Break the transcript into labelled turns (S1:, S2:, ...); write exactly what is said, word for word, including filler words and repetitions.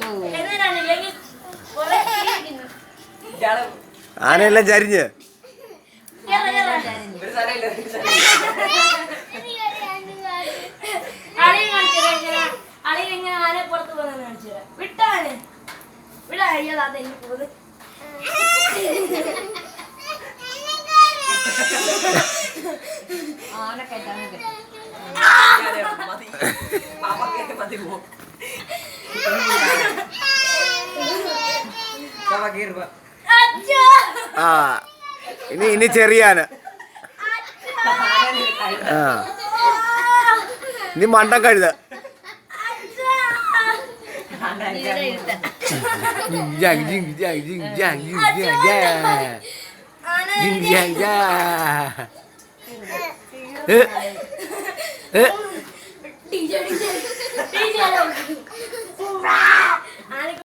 S1: ആനയെല്ലാം ചരിഞ്ഞ്
S2: ആനെ പുറത്ത് പോകുന്ന കാണിച്ചു തരാം. വിട്ടാണ് വിടാ അയ്യോ അതെന്നെ പോകുന്നത്. ആന കേട്ടാണ്
S1: ആ ഇനി ഇനി ചെറിയാന ആ ഇനി മണ്ടൻ കഴുത
S2: ഡിജെ ഡിജെ ഡിജെ